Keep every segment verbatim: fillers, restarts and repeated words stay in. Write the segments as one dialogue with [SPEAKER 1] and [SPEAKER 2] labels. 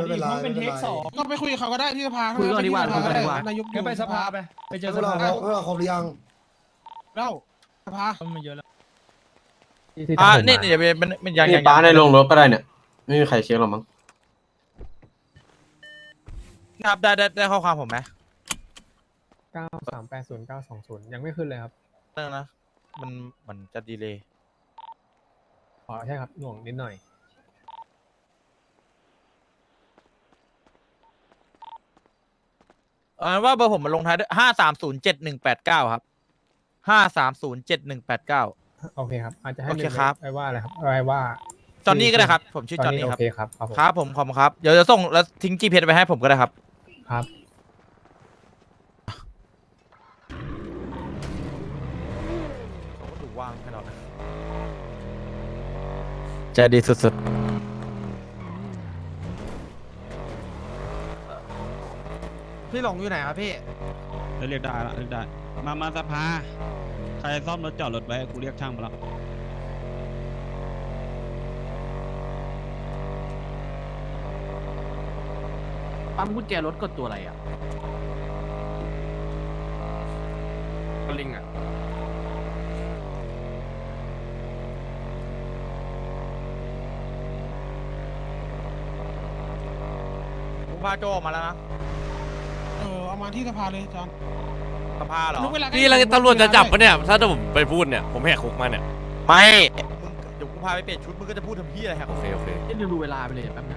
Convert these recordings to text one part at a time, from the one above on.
[SPEAKER 1] ไม่เป็นไร
[SPEAKER 2] มันเป็นเทคสอง
[SPEAKER 3] ก็ไปคุยกับเขาก็ได้ที่สภา
[SPEAKER 4] คุยก่อนดีกว่าคุยก่อนดีกว่า
[SPEAKER 3] นายก
[SPEAKER 2] งั้นไปสภาไปไปเจอ
[SPEAKER 1] พ
[SPEAKER 2] ส
[SPEAKER 1] วกเรา
[SPEAKER 2] ภา
[SPEAKER 1] พวกเราครบหรือยัง
[SPEAKER 3] เล่าสภา
[SPEAKER 2] มันเยอะแล้ว
[SPEAKER 5] อ่านี่เดี๋ยวเป็นเป็นยัง
[SPEAKER 6] นี่
[SPEAKER 5] ยัง
[SPEAKER 6] ป้าในโรงรถก็ได้เนี่ย ไม่มีใครเช็คหรอกมั้ง
[SPEAKER 5] ครับได้ได้ได้ข้อความผมไหม
[SPEAKER 4] เก้าสามแปดศูนย์เก้าสองศูนย์ยังไม่ขึ้นเลยครับ
[SPEAKER 5] เรื่องนะมันมันจะดีเลย
[SPEAKER 4] อ๋อใช่ครับหน่วงนิดหน่อย
[SPEAKER 5] เออว่าเบอร์ผมมันลงท้ายด้วยห้าสามศูนย์เจ็ดหนึ่งแปดเก้าครับห้าสามศูนย์เจ็ดหนึ่งแปดเก้า
[SPEAKER 4] โอเคครับอาจจะให้
[SPEAKER 5] โอเคครับ
[SPEAKER 4] ไว้ว่าอะไรครับไว้ว่า
[SPEAKER 5] จอนนี่ก็ได้ครับผมชื่อจอนนี่
[SPEAKER 4] โอ
[SPEAKER 5] ครับ
[SPEAKER 4] เคครับครับผม
[SPEAKER 5] ครับผมขอบคุณครับเดี๋ยวจะส่งแล้วทิ้งจีเพจไปให้ผมก็ได้ครับ
[SPEAKER 4] ครับ
[SPEAKER 5] เขาก็ดูว่างให้เรานะใจดีสุด
[SPEAKER 7] พี่หลงอยู่ไหนครับพี่
[SPEAKER 8] เรียกได้ละเรียกได้ มา มาสภา ใครซ่อมรถจอดรถไว้ กูเรียกช่างมาแล้ว
[SPEAKER 4] ปั๊มกุญแจรถกดตัวอะไรอ่ะก็ลิงอ่ะ
[SPEAKER 5] ๆผมพาโจออกมาแล้วนะ
[SPEAKER 3] เออเอามาที่สภาเลยจอน
[SPEAKER 5] สภาเหรอ
[SPEAKER 3] นึกเวลา
[SPEAKER 9] พี่เราตำรวจจะจับปะเนี่ย ถ้าผมไปพูดเนี่ย ผมแหกคุกมาเนี่ย
[SPEAKER 5] ไม่มึงเดี๋ยวกูพาไปเปลี่ยนชุดมึงก็จะพูดทำพี่อะไรครับ
[SPEAKER 9] โอเค โอเค
[SPEAKER 4] เดี๋ยวดูเวลาไปเลยแป๊บนะ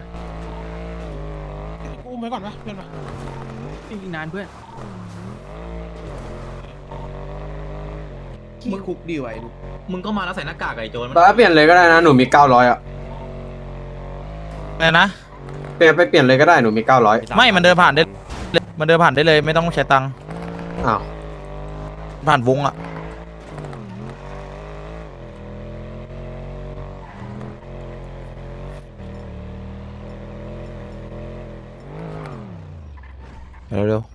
[SPEAKER 3] กูอุ้มไว้ก่อนปะเพื่อนปะ
[SPEAKER 4] อีกนานเพื่อน
[SPEAKER 7] มึงคุกดีไว้ลูก
[SPEAKER 2] มึงก็มาแล้วใส่หน้ากากไอ้โจร
[SPEAKER 6] ป้าเปลี่ยนเลยก็ได้นะ หนูมีเก้าร้อยอ่ะ
[SPEAKER 5] อะไรนะ
[SPEAKER 6] เปลี่ยนไปเปลี่ยนเลยก็ได้ หนูมีเก้าร้อย
[SPEAKER 5] ไม่มันเดินผ่านได้มันเดินผ่านได้เลยไม่ต้องใช้ตังค์
[SPEAKER 6] อ้าว
[SPEAKER 5] ผ่านวงอะเร็ว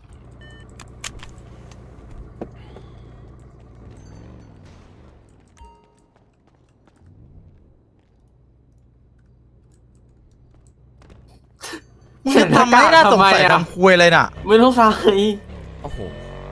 [SPEAKER 5] ๆมึงจะทำไมน่าสงสัยทำคุยเลยน่ะ
[SPEAKER 6] ไม่ต้องใส่
[SPEAKER 9] โอ้โห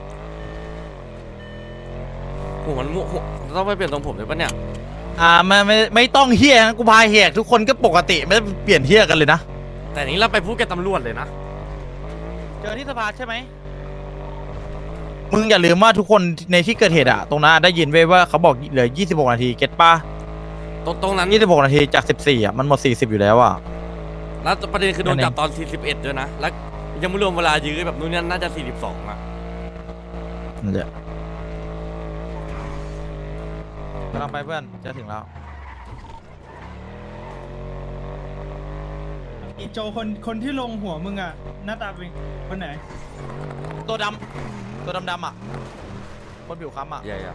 [SPEAKER 9] ผมมันมั่วผมต้องไปเปลี่ยนตรงผมเลยปะเนี่ย
[SPEAKER 5] อ่าไม่ไม่ไม่ต้องเฮียนะกูพาเฮียทุกคนก็ปกติไม่ได้เปลี่ยนเฮียกันเลยนะ
[SPEAKER 9] แต่นี้เราไปพูดกับตำรวจเลยนะ
[SPEAKER 5] เจอที่สภาใช่ไหมมึงอย่าลืมว่าทุกคนในที่เกิดเหตุอะตรงนั้นได้ยินไว้ว่าเขาบอกเหลือยี่สิบหกนาทีเก็ตป่ะ
[SPEAKER 9] ตรงตรงนั้น
[SPEAKER 5] ยี่สิบหกนาทีจากสิบสี่อะมันหมดสี่สิบอยู่แล้วอะ
[SPEAKER 9] แล้วประเด็นคือโดน
[SPEAKER 5] นั่นเอง
[SPEAKER 9] จับตอนสี่สิบเอ็ดด้วยนะ แล้วยังไม่รวมเวลายื้อแบบนู้นนี่น่าจะสี่สิบสองอะ
[SPEAKER 5] นั่นแหละกำลังไปเพื่อนจะถึงแล้ว
[SPEAKER 2] อีโจคนคนที่ลงหัวมึงอ่ะหน้าตาเป็นคนไหน
[SPEAKER 5] ตัวดำตัวดำดำอะคนผิวค้ำอะ
[SPEAKER 9] ใหญ่อะ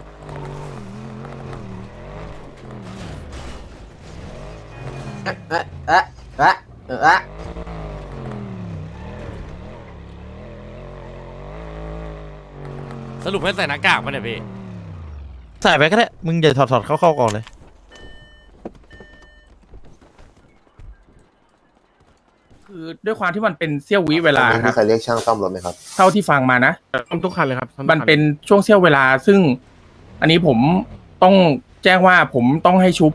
[SPEAKER 6] เอ๊ะเอ๊ะเอ๊ะเอ๊ะเอ๊ะ
[SPEAKER 9] สรุปให้ใส่หน้ากากปะเนี่ยพี่
[SPEAKER 5] ใส่ไปก็ได้มึงอย่าถอดถอดเข้าเข้าก่อนเลย
[SPEAKER 10] คือด้วยความที่มันเป็นเสี้ยววิเวลาครับ
[SPEAKER 1] มีใครเรียกช่างซ่อมรถไหมครับ
[SPEAKER 10] เท่าที่ฟังมานะ
[SPEAKER 9] ซ่อมทุกคันเลยครับ
[SPEAKER 10] มันเป็นช่วงเสี้ยวเวลาซึ่ง อันนี้ผมต้องแจ้งว่าผมต้องให้ชุบ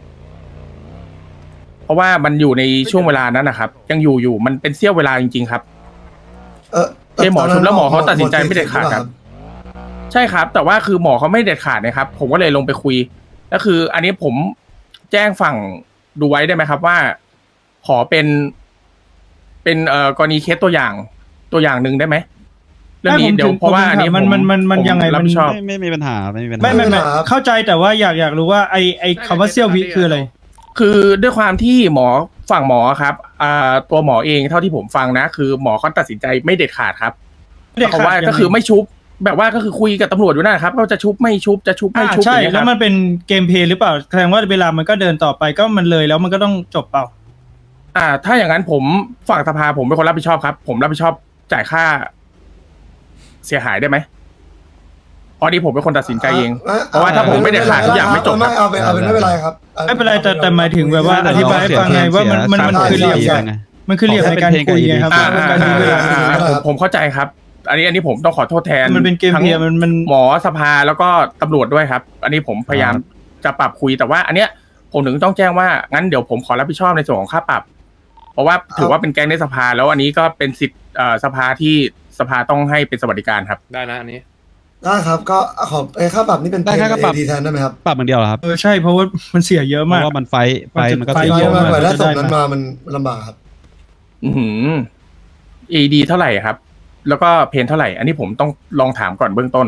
[SPEAKER 10] เพราะว่ามันอยู่ในช่วงเวลานั้นนะครับ ยังอยู่อยู่มันเป็นเสี้ยวเวลาจริงๆครับ
[SPEAKER 1] เออ
[SPEAKER 10] เอ้หมอชุบแล้วหมอเขาตัดสินใจไม่เด็ดขาดครับ ใช่ครับ แต่ว่าคือหมอเขาไม่เด็ดขาดนะครับ ผมก็เลยลงไปคุยแล้วคือ อันนี้ผมแจ้งฝั่งดูไว้ได้ไหมครับว่า ขอเป็น เป็นเอ่อกรณีเคสตัวอย่างตัวอย่างหนึ่งได้ไหมเรื่องนี้เดี๋ยวเพราะว่าอันนี้
[SPEAKER 2] มันมันมันมันยังไง
[SPEAKER 10] รับ
[SPEAKER 2] มัน
[SPEAKER 10] ผิดชอบ
[SPEAKER 8] ไม่ไม่มีปัญหา ไม่มีปัญหา
[SPEAKER 2] ไม่ไม่ไม่เข้าใจแต่ว่าอยากอยากรู้ว่าไอไอคำว่าเซี่ยววิคืออะไร
[SPEAKER 10] คือด้วยความที่หมอฝั่งหมอครับอ่าตัวหมอเองเท่าที่ผมฟังนะ คือหมอเขาตัดสินใจไม่เด็ดขาดครับ
[SPEAKER 2] ไม่เด็ดขาด
[SPEAKER 10] เพราะว่า
[SPEAKER 2] ยังไง
[SPEAKER 10] ก็คือไม่ชุบ แบบว่าก็คือคุยกับตำรวจอยู่นะครับก็จะชุบไม่ชุบจะชุบไม่
[SPEAKER 2] อ่า
[SPEAKER 10] ชุบ
[SPEAKER 2] ใช่
[SPEAKER 10] อย่างเงี้ยค
[SPEAKER 2] แล้
[SPEAKER 10] รั
[SPEAKER 2] ว
[SPEAKER 10] บ
[SPEAKER 2] มันเป็นเกมเพลย์หรือเปล่าแสดงว่าเวลามันก็เดินต่อไปก็มันเลยแล้วมันก็ต้องจบเปล่า
[SPEAKER 10] อ่า ถ้าอย่างนั้นผมฝั่งสภาผมเป็นคนรับผิดชอบครับ ผมรับผิดชอบจ่ายค่า เสียหายได้ไหมเพราะนี่ผมเป็นคนตัดสินใจเอง เพราะว่าถ้าผมไม่เด็ดขาดทุกอย่างไม่จบครับ
[SPEAKER 1] ไม่เอาเป็นเอาเป็นไม่เป็นไรครับ
[SPEAKER 2] ไม่เป็นไรแต่แต่หมายถึงแบบว่าอธิบายให้ฟังไงว่ามันมันมันคือเหลี่ยม
[SPEAKER 1] ใช่
[SPEAKER 2] ไงมันคือเหลี่ยมในการคุยไงครับ
[SPEAKER 10] อ่า
[SPEAKER 2] มัน
[SPEAKER 10] อ่า
[SPEAKER 2] การยื้อเวลา
[SPEAKER 10] อ่าผมผมเข้าใจครับ อันนี้อันนี้ผมต้องขอโทษแทน
[SPEAKER 2] มันเป็นเกมเพลย์
[SPEAKER 10] ทั้ง
[SPEAKER 2] มันมัน
[SPEAKER 10] หมอสภาแล้วก็ตำรวจด้วยครับ อันนี้ผมพยายามจะปรับคุยแต่ว่า อันเนี้ยผมถึงต้องแจ้งว่างั้นเดี๋ยวผมขอรับผิดชอบในส่วนของค่าปรับ เพราะว่าถือว่าเป็นแก๊งในสภาแล้วอันนี้ก็เป็นสิทธิ์เอ่อสภาที่สภาต้องให้เป็นสวัสดิการครับ
[SPEAKER 9] ได้นะอันนี้
[SPEAKER 1] ได้ครับก็ขอไอ้ค่าปรับนี่เป็น
[SPEAKER 8] ได้แค่ค่าปรับ
[SPEAKER 1] เอดีแทนได้ไหมครับ
[SPEAKER 8] ปรับอย่างเดียวเหรอครับ
[SPEAKER 2] เออใช่เพราะว่ามันเสียเยอะ
[SPEAKER 8] เพ
[SPEAKER 2] มาก
[SPEAKER 8] ราะว่ามันไฟท์ไฟท์มันก็
[SPEAKER 2] ไฟ
[SPEAKER 8] เสี
[SPEAKER 2] ท์
[SPEAKER 8] ย
[SPEAKER 2] เย
[SPEAKER 8] เย
[SPEAKER 2] อะ
[SPEAKER 8] อะ
[SPEAKER 1] มาก
[SPEAKER 8] มาก
[SPEAKER 1] กว่าได้
[SPEAKER 2] จะ
[SPEAKER 1] ศ
[SPEAKER 2] ได้
[SPEAKER 1] พนั้น
[SPEAKER 2] มา
[SPEAKER 1] มามันลำบากครับ
[SPEAKER 10] อือหือ เอ ดี เท่าไหร่ครับ แล้วก็เพนเท่าไหร่ อันนี้ผมต้องลองถามก่อนเบื้องต้น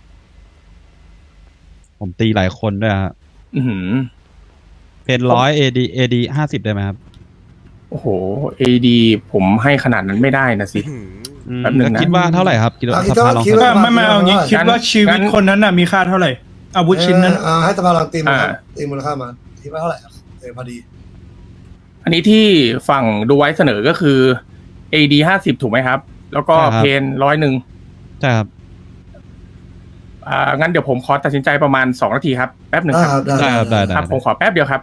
[SPEAKER 8] ผมตีหลายคนด้วยฮะ
[SPEAKER 10] อือหือ
[SPEAKER 8] เพนร้อยเอดีเอดีห้าสิบได้ไหมครับ
[SPEAKER 10] โอ้โห เอ ดี ผมให้ขนาดนั้นไม่ได้นะสิ
[SPEAKER 8] อืม
[SPEAKER 10] แป๊บหนึ่งนะ
[SPEAKER 8] แล้วคิดว่าเท่าไหร่ครับคิดว่า
[SPEAKER 1] อ่ะคิด
[SPEAKER 8] ส
[SPEAKER 1] ว่า
[SPEAKER 8] ภาลอง
[SPEAKER 1] คิด
[SPEAKER 8] เสน
[SPEAKER 1] ว่า
[SPEAKER 8] อ
[SPEAKER 2] ไม่ไม่เอางี้คิดว่าชีวิตคนนั้นน่ะมีค่าเท่าไหร่อาวุธชิ้นนั้น
[SPEAKER 1] เอออ่าให้สภาลองตีมูลค่า
[SPEAKER 10] อ่า
[SPEAKER 1] ตีมูลค่ามาคิดว่าเท่าไหร่ครับเออพอดี
[SPEAKER 10] อันนี้ที่ฝั่งดูไว้เสนอก็คือ เอ ดี ห้าสิบถูกไหมครับ แล้วก็เพนร้อยหนึ่ง
[SPEAKER 8] ใช่ครับ
[SPEAKER 10] อ่า งั้นเดี๋ยวผมขอตัดสินใจประมาณสองนาทีครับ แป๊บหนึ่ง
[SPEAKER 1] ได้
[SPEAKER 10] ครับ
[SPEAKER 1] ครับได้
[SPEAKER 8] ได้ครับได้ได้
[SPEAKER 10] ครับ ผมขอแป๊บเดียวครับ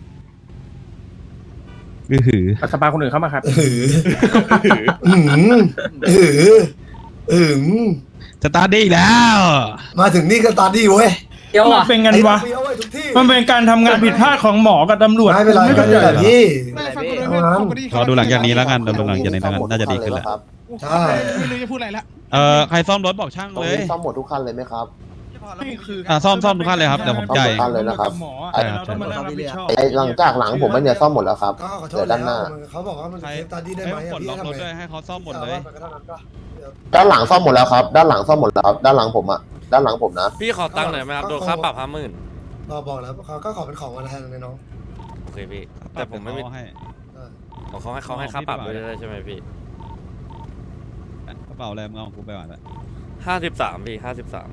[SPEAKER 8] อือหือ
[SPEAKER 10] เอาสภาคนอื่นเข้ามาครับ
[SPEAKER 1] เอออืมเออเออ
[SPEAKER 8] สตาร์ทได้อีกแล้ว
[SPEAKER 1] มาถึงนี่ก็ตาดีเว้ย
[SPEAKER 6] เดี๋ยว
[SPEAKER 2] มัน
[SPEAKER 6] อ่ะ
[SPEAKER 2] เป็นไงวะ
[SPEAKER 1] ไอ้เฟี้ยวเว้ยทุกที่
[SPEAKER 2] มันเป็นการทำงานผิดพลาดของหมอกับตำรวจ
[SPEAKER 1] ไม่เป็นไร
[SPEAKER 2] ไม่
[SPEAKER 1] ก็
[SPEAKER 2] เข้าใจ
[SPEAKER 1] นี่แหละพี่
[SPEAKER 3] ไม่ฟังกูด้วย
[SPEAKER 1] เอางั้น
[SPEAKER 3] ฟังกูดิ
[SPEAKER 8] รอดูหลังจากนี้แล้วกันรอดูหลังจากนี้แล้วกันน่าจะดีขึ้นแล้ว
[SPEAKER 1] ครับ
[SPEAKER 3] ใช่ไม่รู้จะพูดอะไรละ
[SPEAKER 8] เอ่อใครซ่อมรถบอกช่าง
[SPEAKER 1] ตรง
[SPEAKER 8] เลย
[SPEAKER 1] นี้ซ่อมหมดทุกคันเลยไหมครับ
[SPEAKER 8] อ่ะซ่อมซ่อมทุกขั้นเลยครับเดี๋ยวผมจ่าย
[SPEAKER 1] ซ่อมทุกขั้นเลยนะครับ
[SPEAKER 2] หมอ
[SPEAKER 8] ใช่
[SPEAKER 2] เรา
[SPEAKER 8] ครับ
[SPEAKER 2] ต้องมานั่งรับผิดชอบ
[SPEAKER 1] ไอ้หลังจากหลังผมไม่เนี่ยซ่อมหมดแล้วครับก็ขอโทเหลืษอแล้ด้านหน้าเขาบอกว่ามัน
[SPEAKER 8] ใคร
[SPEAKER 1] เซฟตาดีได้
[SPEAKER 8] ให้
[SPEAKER 1] ไหม
[SPEAKER 8] ผมปลด
[SPEAKER 1] อะพี่
[SPEAKER 8] ล็อกรถ
[SPEAKER 1] ทำไง
[SPEAKER 8] ด้วยให้เขาซ่อมหมดเลย
[SPEAKER 1] อาไปก็เท่านั้นปะเดี๋ยวด้านหลังซ่อมหมดแล้วครับ ด้านหลังซ่อมหมดแล้วครับ ด้านหลังผมอะด้านหลังผมนะ
[SPEAKER 9] พี่ขอตังค์หน่อยไหมครับโดนค่าปรับห้าหมื่น
[SPEAKER 1] เราบอกแล้วเขาก็ขอเป็นของวันแทนเลยน้อง
[SPEAKER 9] โอเคพี่แต่ผมไม่มี
[SPEAKER 8] ให้
[SPEAKER 1] เออ
[SPEAKER 9] ของเขาให้เขาให้ค่าปรับด้วยใช่ไหมพี่
[SPEAKER 8] กระเป๋าอะไรมึงเอาของกูไปก่อนละ
[SPEAKER 9] ห้าสิบสามพี่ห้าสิบสาม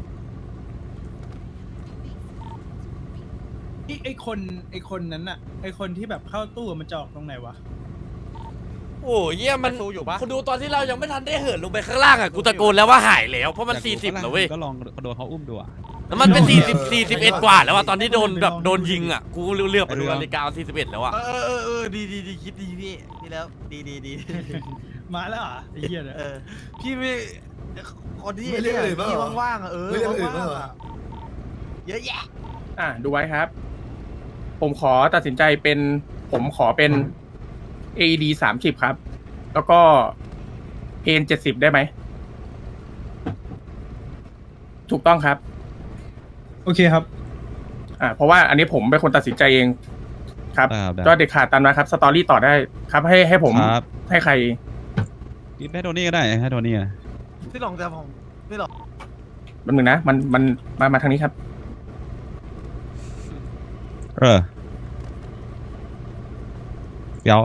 [SPEAKER 2] ไอ้ไอ้คนไอ้คนนั้นน่ะไอ้คนที่แบบเข้าตู้มันจะออกตรงไหนวะ
[SPEAKER 9] โอ้ยเยี่ยมันคุณดูตอนที่เรายังไม่ทันได้เหินลงไปข้างล่างอ่ะกูตะโกนแล้วว่าหายแล้วเพราะมันสี่สิบแล้วเว้ย
[SPEAKER 8] ก็ลองโดนเขาอุ้มดูอ่ะ
[SPEAKER 9] แล้วมันเป็นสี่สิบสี่สิบเอ็ดกว่าแล้วอ่ะตอนที่โดนแบบโดนยิงอ่ะกูเลือกไปดูนาฬิกาสี่สิบเอ็ดแล้วอ่ะ
[SPEAKER 7] เออเออเออดีดีดีคิดดีพี่ดีแล้วดีดีดี
[SPEAKER 2] มาแล้วเหรอไอ้เหี้ยเนี่ย
[SPEAKER 7] เออพี่ไม่คนที่
[SPEAKER 1] ไม่เรียกอื่นบ้าง
[SPEAKER 7] พี่
[SPEAKER 1] เหรอ
[SPEAKER 7] ว่างๆอ่ะเออ
[SPEAKER 1] ไม่เรียกอื่นบ้างเหรอ
[SPEAKER 7] ว่างๆอะเยอะแยะ
[SPEAKER 10] อ่ะดูไว้ครับ ผมขอตัดสินใจเป็น ผมขอเป็น เอ ดี สามสิบครับ แล้วก็เพนเจ็ดสิบได้ไหม ถูกต้องครับ
[SPEAKER 2] โอเคครับ
[SPEAKER 10] อ่า เพราะว่าอันนี้ผมเป็นคนตัดสินใจเองครับ
[SPEAKER 8] ได้ครับได้
[SPEAKER 10] ก็เด็ดขาดตามนะครับ สตอรี่ต่อได้ครับ ให้ให้ผม
[SPEAKER 8] ครับ
[SPEAKER 10] ให้ใคร
[SPEAKER 8] ให้โทนี่ก็ได้ให้โทนี่อะ
[SPEAKER 7] พี่หลงแต่ผมพี่หลง
[SPEAKER 10] แป๊บนึงนะ มันมันมามาทางนี้ครับ
[SPEAKER 8] เออเดี๋ยว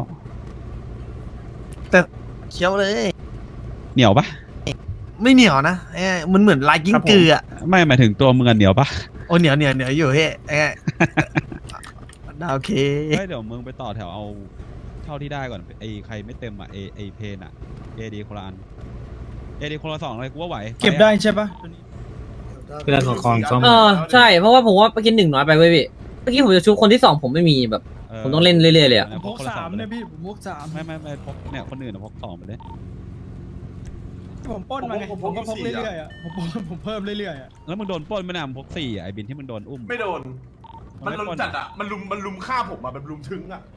[SPEAKER 7] เคี้ยวเลย
[SPEAKER 8] เหนียวปะ
[SPEAKER 7] ไม่เหนียวนะเอ้ยมันเหมือนลายกิ้งกืออ่ะ
[SPEAKER 8] ไม่หมายถึงตัวมึงอะเหนียวปะ
[SPEAKER 7] โอ้เหนียวเหนียวเหนียวอยู่เฮ้ยเอ้ยโอเค
[SPEAKER 8] เฮ้ยเดี๋ยวมึงไปต่อแถวเอาเท่าที่ได้ก่อนไอ้ใครไม่เต็มอ่ะไอ้ไอ้เพนอ่ะเอดีคนละอันเอดีคนละสองเลยกูว่าไหว
[SPEAKER 2] เก็บได้ใช่ปะ
[SPEAKER 1] เวลาขอคอนซ่อม
[SPEAKER 6] เออใช่เพราะว่าผมว่าไปกินหนึ่งน้อยไปเว้ยพี่เมื่อกี้ผมจะชุบคนที่สองผมไม่มีแบบ ผมต้องเล่นเรื่อยๆเลยอะ
[SPEAKER 2] ผมพกสามเนี่ยพี่ผมพกสาม
[SPEAKER 8] ไม่ไม่ไม่พกเนี่ยคนอื่นอะพกสองไปเลย
[SPEAKER 2] ผมปล้นมาไงผมก็พกเรื่อยๆอ่ะผมปล้นผมเพิ่มเรื่อยๆอ่ะ
[SPEAKER 8] แล้วมึงโดนปล้นไม่นานพกสี่อะไอ้บินที่มึงโดนอุ้ม
[SPEAKER 11] ไม่โดน มัน
[SPEAKER 8] ไ
[SPEAKER 11] ลุมจัดอ่ะ มันลุม มันลุมฆ่าผมอ่ะมันลุมถึงอ่ะ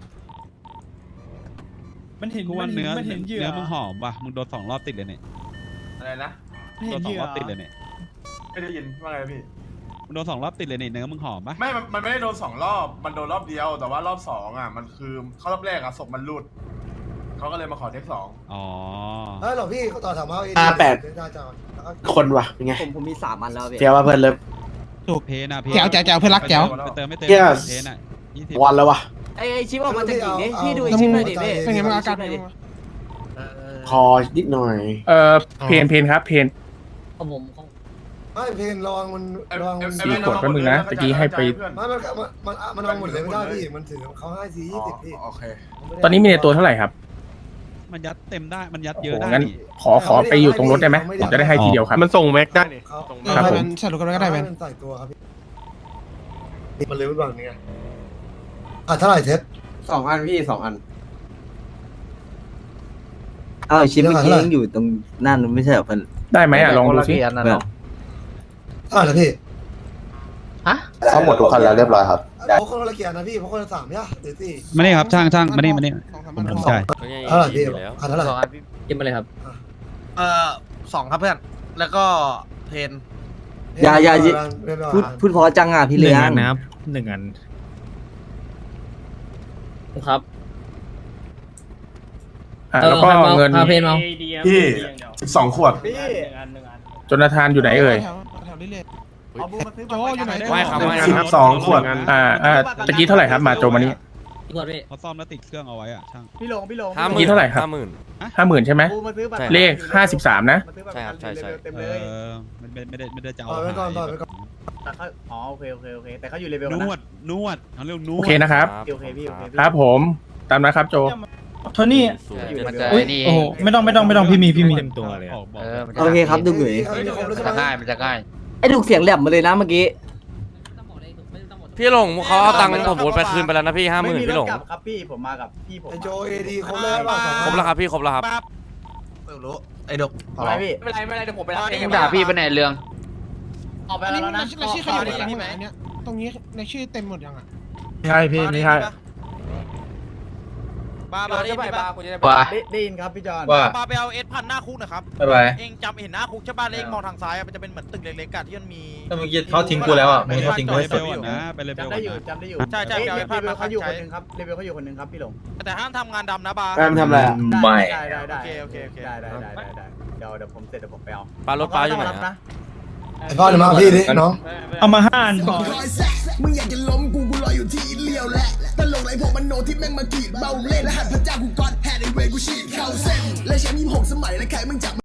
[SPEAKER 2] มันเห็น
[SPEAKER 8] กูว่าเนื้อ
[SPEAKER 2] มันเห็นเหยื่อ
[SPEAKER 8] เนื้อมึงหอมว่ะมึงโดนสองรอบติดเลยเนี่ย
[SPEAKER 11] อะไรนะ
[SPEAKER 2] มัน
[SPEAKER 8] โด
[SPEAKER 2] เห็น
[SPEAKER 8] น
[SPEAKER 2] เห
[SPEAKER 8] สอง
[SPEAKER 2] ยื่อ
[SPEAKER 8] รอบติดเลยเนี่ย
[SPEAKER 11] ไม่ได้ยินว่าไงพี่
[SPEAKER 8] มึงโดนสองรอบติดเลยเนี่ยเนื้อมึงหอมปะ
[SPEAKER 11] ไม่ มันมันไม่ได้โดนสองรอบ มันโดนรอบเดียว แต่ว่ารอบสองอ่ะ มันคือเข้ารอบแรกอ่ะศพมันหลุด เขาก็เลยมาขอเทคสอง
[SPEAKER 8] อ๋อ
[SPEAKER 1] เฮ้ยหรอพี่เขาต่อถามว่า
[SPEAKER 6] ห้าแปด
[SPEAKER 1] ได้จ้าแล้วก็
[SPEAKER 6] คนวะเป็นไงผมผมมีสามอันแล้วพี่
[SPEAKER 1] เฟี้ยวว่าเพื่อนเลิฟ
[SPEAKER 8] เพนอะเพน
[SPEAKER 3] แจ๋วแจ๋วแจ๋วเพื่อนรักแจ๋ว
[SPEAKER 8] ไปเติมไม่เติม
[SPEAKER 1] Yes
[SPEAKER 8] เพนอะยี่สิบ
[SPEAKER 1] วันแล้ววะ
[SPEAKER 6] ไอ้ไอ้ชิปออกมาจากหญิงนี่
[SPEAKER 1] เอา
[SPEAKER 6] พี่ดูไอ้
[SPEAKER 1] เอา
[SPEAKER 6] ชิปหน่อยดิพี่
[SPEAKER 3] เป็นไงบ้างอาการเป็นไงบ้าง
[SPEAKER 1] คอนิดหน่อย
[SPEAKER 10] เอ่อเพนเพนครับเพน
[SPEAKER 6] ของผมของ
[SPEAKER 1] ไม่เพนระวังมันระวังมัน
[SPEAKER 10] สี่ขวดแป๊บนึงนะตะกี้ให้ไป
[SPEAKER 1] ไม่มันมันมันมันเอาหมดเลยไม่ได้พี่มันถือเขาให้สี่ยี่สิบพี่
[SPEAKER 11] โอเค
[SPEAKER 10] ตอนนี้มีในตัวเท่าไหร่ครับ
[SPEAKER 8] มันยัดเต็มได้มันยัด
[SPEAKER 10] โอ้
[SPEAKER 8] เย
[SPEAKER 10] โห
[SPEAKER 8] อะได้
[SPEAKER 10] งั้น
[SPEAKER 8] นี่
[SPEAKER 10] ขอขอไปอยู่ตรงรถได้ไหมผมจะได้ให้ทีเดียวครับ
[SPEAKER 1] มันส่งแม็กได้นี่เขา
[SPEAKER 3] เออ
[SPEAKER 10] ครับ
[SPEAKER 3] ให้
[SPEAKER 10] ผม
[SPEAKER 3] มันสรุปกันก็ได้แมน
[SPEAKER 1] มันใส่ตัวครับพี่มันเร็วแบบนี้ไงอ่ะเท่าไหร่เท็ด
[SPEAKER 6] สองอันพี่สองอัน
[SPEAKER 12] อ้าวชิปเมื่อกี้ยังอยู่ตรงนั่นไม่ใช่เหรอเพื่อน
[SPEAKER 10] ได้ไหมอ่ะลองดูสิ
[SPEAKER 12] เพื่อน
[SPEAKER 1] อ่าเหรอพี่ฮะซ่อมหมดทุกคันแล้วเรียบร้อยครับ
[SPEAKER 7] เพราะคนละเกียร์นะพี่เพราะคนละสามเนี่ยเดี๋ยวสิ
[SPEAKER 8] มานี่ครับช่างช่างมานี่มานี่ผมผมจ่าย
[SPEAKER 7] เออพี่อันนั้นแหละ
[SPEAKER 6] กินมาเลยครับ
[SPEAKER 7] เออสองครับเพื่อนแล้วก็เพน
[SPEAKER 12] อย่าอย่าพูดพูดเพอจังอ่ะพี่เลี้ยง
[SPEAKER 5] หนึ่งอัน
[SPEAKER 6] ครับ
[SPEAKER 10] อ่ะแล้วก็เงิน
[SPEAKER 6] พาเพนมา
[SPEAKER 11] พี่สิบสองขวด
[SPEAKER 10] โจนาธานอยู่ไหนเอ่ย
[SPEAKER 3] แถวนี้เลยโจอยู่ไหน
[SPEAKER 9] ไม่ครับไม่
[SPEAKER 11] สิ
[SPEAKER 9] ครับ
[SPEAKER 11] บสองขวด
[SPEAKER 10] อ่าอ่าตะกี้เท่าไหร่ครับมาโจมานี่
[SPEAKER 6] พี่กดพี่
[SPEAKER 8] เขาซ่อมแล้วติดเครื่องเอาไว้อะช่าง
[SPEAKER 4] พี่ลงพี่ลง
[SPEAKER 9] ห้าห
[SPEAKER 10] เมื่
[SPEAKER 9] มื่
[SPEAKER 10] อน กี้เท่าไหร่ครับ
[SPEAKER 9] ห้าหมื่น
[SPEAKER 10] ห้าหมื่นใช่ไหม
[SPEAKER 4] กูมาซื้อบัตร
[SPEAKER 9] ใช่
[SPEAKER 10] เลขห้าสิบสามนะ
[SPEAKER 9] ใช่ครับใช่ใช่
[SPEAKER 4] เต็ม
[SPEAKER 8] เอ
[SPEAKER 4] เลย
[SPEAKER 8] อไม่ไม่ไม่ได้ไม่ได้จะเอา
[SPEAKER 7] ต่อไปก่อนต่อไปก่อน
[SPEAKER 4] แต่เขาอ๋อโอเคโอเคโอเคแต่เขาอยู่เลเวล
[SPEAKER 8] น
[SPEAKER 4] นะ
[SPEAKER 8] วดนวดเขาเรียกนว
[SPEAKER 10] โอ
[SPEAKER 8] ด
[SPEAKER 10] เคนะครับ
[SPEAKER 4] โอเคพี่โอเคพี่
[SPEAKER 10] ครับผมตามนะครับโจ
[SPEAKER 2] โทนี่
[SPEAKER 9] ศูนย์
[SPEAKER 4] มัน
[SPEAKER 9] เจ็ด
[SPEAKER 4] จะ
[SPEAKER 2] โอ้ยโอ้โหไม่ต้องไม่ต้องไม่ต้องพี่มีพี่มี
[SPEAKER 8] เต็มตัวเลยอะ
[SPEAKER 12] โอเคครับดุกหนุ่ย
[SPEAKER 7] เอาจะครบแล้วใช่ไหม
[SPEAKER 5] ง่ายมันจะง่าย
[SPEAKER 12] ไอ้ดุกเสียงแหลมมาเลยนะเมื่อกี้
[SPEAKER 9] พี่หลงเขาเอาตังค์ผมโอนไปคืนไปแล้วนะพี่ห้าหมื่น
[SPEAKER 4] ไม่มี
[SPEAKER 9] พี่
[SPEAKER 4] ร
[SPEAKER 9] หล
[SPEAKER 4] ถ
[SPEAKER 9] ง
[SPEAKER 4] กลับครับพี่ผมมากับพี่ผม
[SPEAKER 7] ไอโจเอดีครบแล้วป่ะ
[SPEAKER 9] ครบแล้วครับพี่ครบแล้วครับ
[SPEAKER 7] ไม่รู้ไอ้ดก
[SPEAKER 4] อะไรพี่
[SPEAKER 5] ไม่เป็นไรไม่เป็นไรเดี๋ยวผมไปรับเอง
[SPEAKER 3] ด่าพี่
[SPEAKER 5] ไปไหนเรื่อง
[SPEAKER 4] ออกไป
[SPEAKER 3] อัน
[SPEAKER 4] แล้
[SPEAKER 3] นี้
[SPEAKER 4] วนะ
[SPEAKER 3] ในชื่อใครอยู่ในไหนเนี่ยตรงนี้ในชื่อเต็มหมดยังอ่ะ
[SPEAKER 10] ไม่ใช่พี่ไม่ใช่
[SPEAKER 5] บาบาได้ไปบาคุณจะได้
[SPEAKER 2] ว่า
[SPEAKER 4] ได้ได้ยินครับพี่จอน
[SPEAKER 2] ว่า
[SPEAKER 5] บาไปเอาเอสพันหน้าคุกหนะครับ
[SPEAKER 2] บ๊ายบาย
[SPEAKER 5] เองจำเห็นหน้าคุกใช่ป่ะแล้วเองมองทางซ้ายอะมันจะเป็นเหมือนตึกเล็กๆอะที่มันมี
[SPEAKER 2] แต่เมื่อกี้เขาทิ้งกูแล้วอ่ะเมื่อกี้เขาทิ้งกู
[SPEAKER 8] ไป
[SPEAKER 2] ให้
[SPEAKER 8] เล
[SPEAKER 2] สุด
[SPEAKER 8] เวลก่อนนะไปเลเวล
[SPEAKER 4] จำ
[SPEAKER 8] ก่
[SPEAKER 4] ได้
[SPEAKER 8] อน
[SPEAKER 4] อยู่
[SPEAKER 8] นะ
[SPEAKER 4] จำได้อยู่
[SPEAKER 5] ใช่ใช่
[SPEAKER 4] เอ้ย
[SPEAKER 5] เอา
[SPEAKER 4] เล
[SPEAKER 5] ไอ้พาด
[SPEAKER 4] เวล
[SPEAKER 5] มา
[SPEAKER 4] เขาอยู่
[SPEAKER 5] ใช้
[SPEAKER 4] คนหนึ่งครับเลเวลเขาอยู่คนหนึ่งครับพี่หลง
[SPEAKER 5] แต่ห้ามทำงานดำนะบา
[SPEAKER 1] แอมทำอะไร
[SPEAKER 2] ไม่
[SPEAKER 4] ได้ได้ได้
[SPEAKER 5] โอเคโอเคโอเค
[SPEAKER 4] ได้ได้ได้ได้ได้เดี๋ยวเดี๋ยวผมเสร็จเดี๋ยวผมไปเอา
[SPEAKER 9] ปลารถปลาอยู่ไหน
[SPEAKER 4] ต้งมรับ
[SPEAKER 9] อะ
[SPEAKER 4] นะ
[SPEAKER 7] ไอพ่อเดี๋ยวมาพี่ดิน้อง
[SPEAKER 2] เอามาห้าอันพอ
[SPEAKER 7] มึงอยากจะล้มกูกูรออยู่ที่เลี้ยวแหละตลกไรพวกมันโนที่แม่งมากีดเบาเล่นและหัดพระเจ้ากูกอดแฮดไอเวกูฉีดเข้าเส้นและแชมป์ยี่สิบหกสมัยและใครมึงจับ